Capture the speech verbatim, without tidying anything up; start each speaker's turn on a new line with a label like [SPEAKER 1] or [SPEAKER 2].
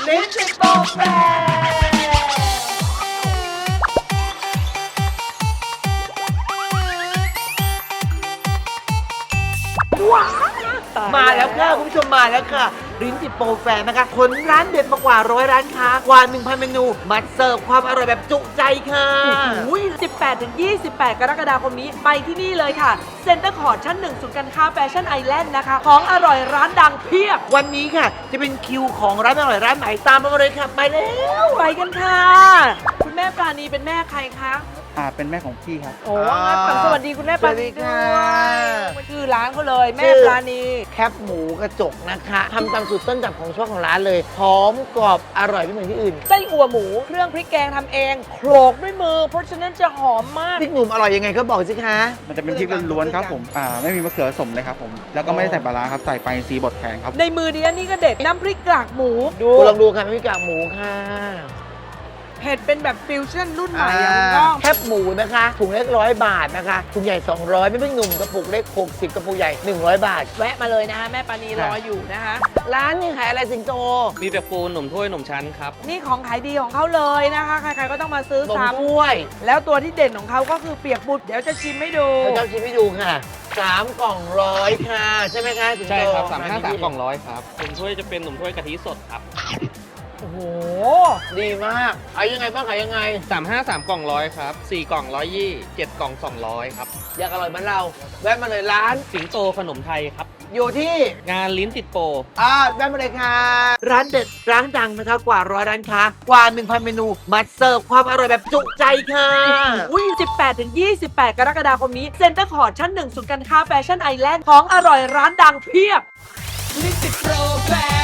[SPEAKER 1] ลิ้นติดโปรแฟว้าวมาแล้วค่ะคุณผู้ชมมาแล้วค่ะลิ้นติดโปรแฟร์นะคะขนร้านเด็ดมากว่าร้อยร้านค้ากว่า หนึ่งพัน เมนูมาเสิร์ฟความอร่อยแบบจุใจค่ะ
[SPEAKER 2] สิบแปดถึงยี่สิบแปด กรกฎาคมนี้ไปที่นี่เลยค่ะเซ็นเตอร์คอร์ทชั้นหนึ่งศูนย์การค้าแฟชั่นไอแลนด์นะคะของอร่อยร้านดังเพียบ
[SPEAKER 1] วันนี้ค่ะจะเป็นคิวของร้านอร่อยร้านไหนตามมาเลยค่ะไปแล้ว
[SPEAKER 2] ไปกันค่ะ คุณแม่ปราณีเป็นแม่ใครคะ
[SPEAKER 3] อ่าเป็นแม่ของพี่ครับ
[SPEAKER 2] โอ้งั้นฝากสวัสดีคุณแม่ปราณีด้วยชื่อร้านเขาเลยแม่ปราณี
[SPEAKER 1] แคบหมูกระจกนะคะทำตามสูตรต้นตำของช่วงของร้านเลยหอมกรอบอร่อยไม่เหมือนที่อื่น
[SPEAKER 2] ไส้อั่วหมูเครื่องพริกแกงทำเองโขลกด้วยมือ เพราะฉะนั้นจะหอมมาก
[SPEAKER 1] พริกหนุ่มอร่อยยังไงก็บอกสิคะ
[SPEAKER 3] มันจะเป็นพริกล้วนๆครับผมอ่าไม่มีมะเขือผสมเลยครับผมแล้วก็ไม่ได้ใส่ปลาร้าครับใส่ไปซีบดแข็งครับ
[SPEAKER 2] ในมือดิฉันนี่ก็เด็ดน้ำพริกกากหมูดู
[SPEAKER 1] คุณลองดูค่ะไม่มีกากหมูค่ะ
[SPEAKER 2] เผ็ดเป็นแบบฟิวชั่นรุ่นใหม่อะคุณก้อง
[SPEAKER 1] แคบหมูนะคะถุงเล็กร้อยบาทนะคะถุงใหญ่สองร้อยไม่เป็นหนุ่มกระปุกเล็กหกสิบกระปุกใหญ่หนึ่งร้อยบาท
[SPEAKER 2] แวะมาเลยนะคะแม่ปราณีรออยู่นะคะ
[SPEAKER 1] ร้านนี่ขายอะไรสิงโต
[SPEAKER 4] มีแบบปูหนุ่มถ้วยหนุ่มชั้นครับ
[SPEAKER 2] นี่ของขายดีของเขาเลยนะคะ ใครๆก็ต้องมาซื้อน
[SPEAKER 1] ม
[SPEAKER 2] ซ้
[SPEAKER 1] ถ้วย
[SPEAKER 2] ำแล้วตัวที่เด่นของเขาก็คือเปียกบุตรเดี๋ยวจะชิมให้ดู
[SPEAKER 1] เราจะชิมให้ดูค่ะสามกล่องร้อยค่ะใช่ไหมคะสิงโต
[SPEAKER 4] ใช่ครับสามห้าสามกล่องร้อยครับหนุ่มถ้วยจะเป็นหนุ่มถ้วยกะทิสดครับ
[SPEAKER 2] โอ้โห
[SPEAKER 1] ดีมากขายยังไงบ้างขายยังไง
[SPEAKER 4] สามห้าสามกล่องร้อยครับสี่กล่องร้อยยี่เจ็ดกล่องสองร้อยครับ
[SPEAKER 1] อยากอร่อยเหมือนเราแวะมาเลยร้าน
[SPEAKER 4] สิงโตขนมไทยครับ
[SPEAKER 1] อยู่ที่
[SPEAKER 4] งานลิ้นติดโปร
[SPEAKER 1] อ่าแวะมาเลยค่ะ ร้านเด็ดร้านดังนะคะกว่าร้อยร้านค้ากว่า หนึ่งพัน เมนูมาเสิร์ฟความอร่อยแบบจุใจค่ะ
[SPEAKER 2] อุ้ยสิบแปดถึงยี่สิบแปด กรกฎาคมนี้เซ็นเตอร์คอร์ทชั้นหนึ่งศูนย์การค้าแฟชั่นไอแลนด์ของอร่อยร้านดังเพียบ
[SPEAKER 1] ลิ้นติดโปรแฟร์